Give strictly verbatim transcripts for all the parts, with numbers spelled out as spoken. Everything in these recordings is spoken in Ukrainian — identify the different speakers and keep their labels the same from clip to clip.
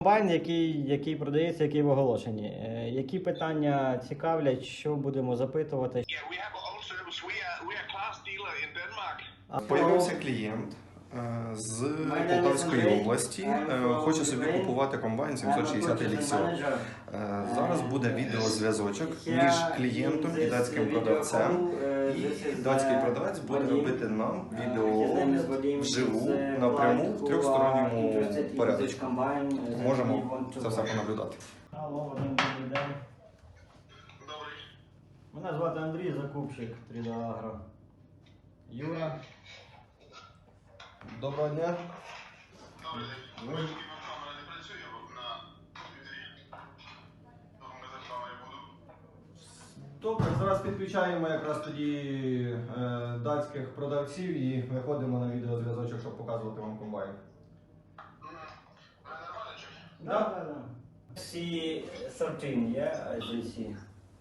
Speaker 1: Комбайн, який, який продається, який в оголошенні. Е, Які питання цікавлять, що будемо запитувати?
Speaker 2: Yeah, we have our own service. We are we are class dealer in Denmark.
Speaker 3: Появився клієнт е, з Полтавської області, е, хоче собі купувати комбайн сімсот шістдесят Elixir. Е, Зараз буде відеозв'язочок між клієнтом і датським продавцем. І датський продавець буде робити нам відеоогляд вживу, напряму, в трьохсторонньому порядку. Можемо це все понаблюдати.
Speaker 1: Алло, Вадим, добрий день.
Speaker 2: Добрий.
Speaker 1: Мене звати Андрій, закупщик три ді Агро. Юра.
Speaker 3: Доброго дня.
Speaker 2: Добрий день. Бачите, вам камера не працює на комп'ютері. Тому ми за вами буду.
Speaker 3: Добре, зараз підключаємо якраз тоді е, датських продавців і виходимо на відеозв'язочок, щоб показувати вам комбайн.
Speaker 2: Ви нормально чуєте?
Speaker 1: Да, да, да. сі тринадцять, yeah, as you see.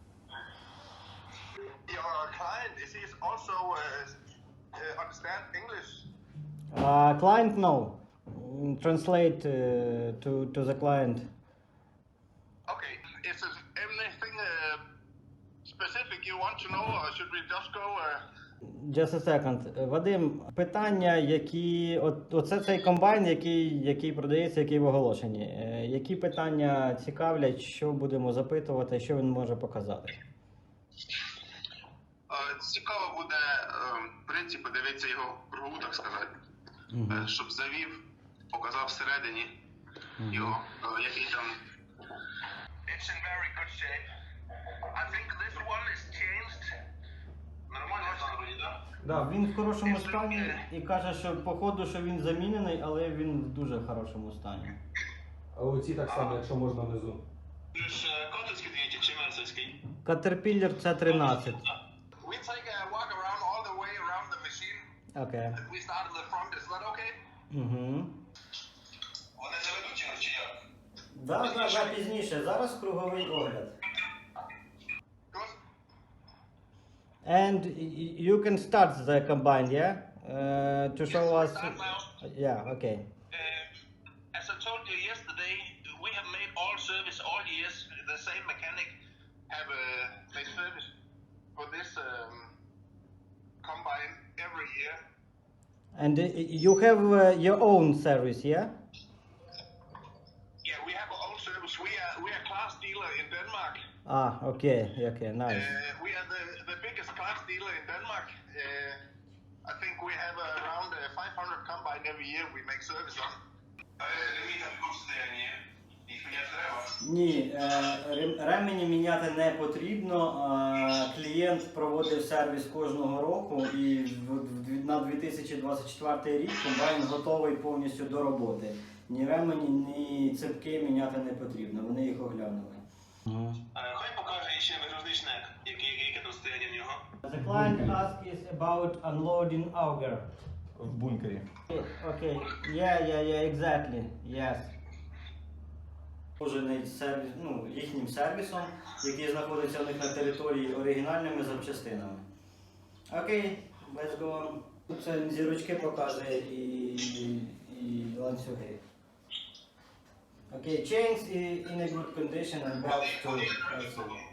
Speaker 2: Your client is he also uh, uh, understand English?
Speaker 1: Uh, client, no. Mm, Translate uh, to, to the client.
Speaker 2: Okay. Is there anything uh, specific you want to know, or should we just go? Uh...
Speaker 1: Just a second. Вадим, питання, які... От, оце цей комбайн, який, який продається, який в оголошенні. Е, Які питання цікавлять, що будемо запитувати, що він може показати?
Speaker 2: Е, Цікаво буде, е, в принципі, подивитися його кругу, так сказати. Е, Щоб завів, показав всередині його, е, який там. It's in very good shape. I think this one is changed. Нормально стан вроді, так?
Speaker 1: Да, він в хорошому стані і каже, що по ходу, що він замінений, але він в дуже хорошому стані.
Speaker 3: А оці так само, якщо можна внизу.
Speaker 2: Це ж котовський двигатель чи мерсовський?
Speaker 1: Caterpillar сі тринадцять.
Speaker 2: We take a walk around all the way around the machine.
Speaker 1: Окей.
Speaker 2: We start in the front, is that okay?
Speaker 1: Угу.
Speaker 2: Вони заведуть його чи як?
Speaker 1: Да, да, да, пізніше. Зараз круговий огляд.
Speaker 2: Good.
Speaker 1: And y- you can start the combine, yeah? Uh, to show us...
Speaker 2: Start now.
Speaker 1: Yeah, okay.
Speaker 2: Uh, as I told you yesterday, we have made all service all years. The same mechanic have uh, made service for this um, combine every year.
Speaker 1: And uh, you have uh, your own service, yeah?
Speaker 2: Yeah, we have our own service. We are we are class dealer in Denmark.
Speaker 1: Ah, okay, okay, nice.
Speaker 2: Uh, we are the, the biggest class dealer in Denmark. Uh, I think we have uh, around uh, five hundred combine every year we make service on.
Speaker 1: Ні, е, рем- ремені міняти не потрібно. Е, Клієнт проводив сервіс кожного року і в- в- на дві тисячі двадцять четвертий рік комбайн готовий повністю до роботи. Ні ремені, ні цепки міняти не потрібно, вони їх оглянули.
Speaker 2: Хай покаже ще вигрузний шнек, яке там стояння в нього.
Speaker 1: The client asked is about unloading auger.
Speaker 3: В бункері.
Speaker 1: Okay, yeah, yeah, yeah, exactly, yes. Служений сервіс, ну, їхнім сервісом, який знаходиться у них на території оригінальними запчастинами. Окей, let's go on. Тут це зірочки показує і, і, і ланцюги. Окей, chains in a good condition and belts too.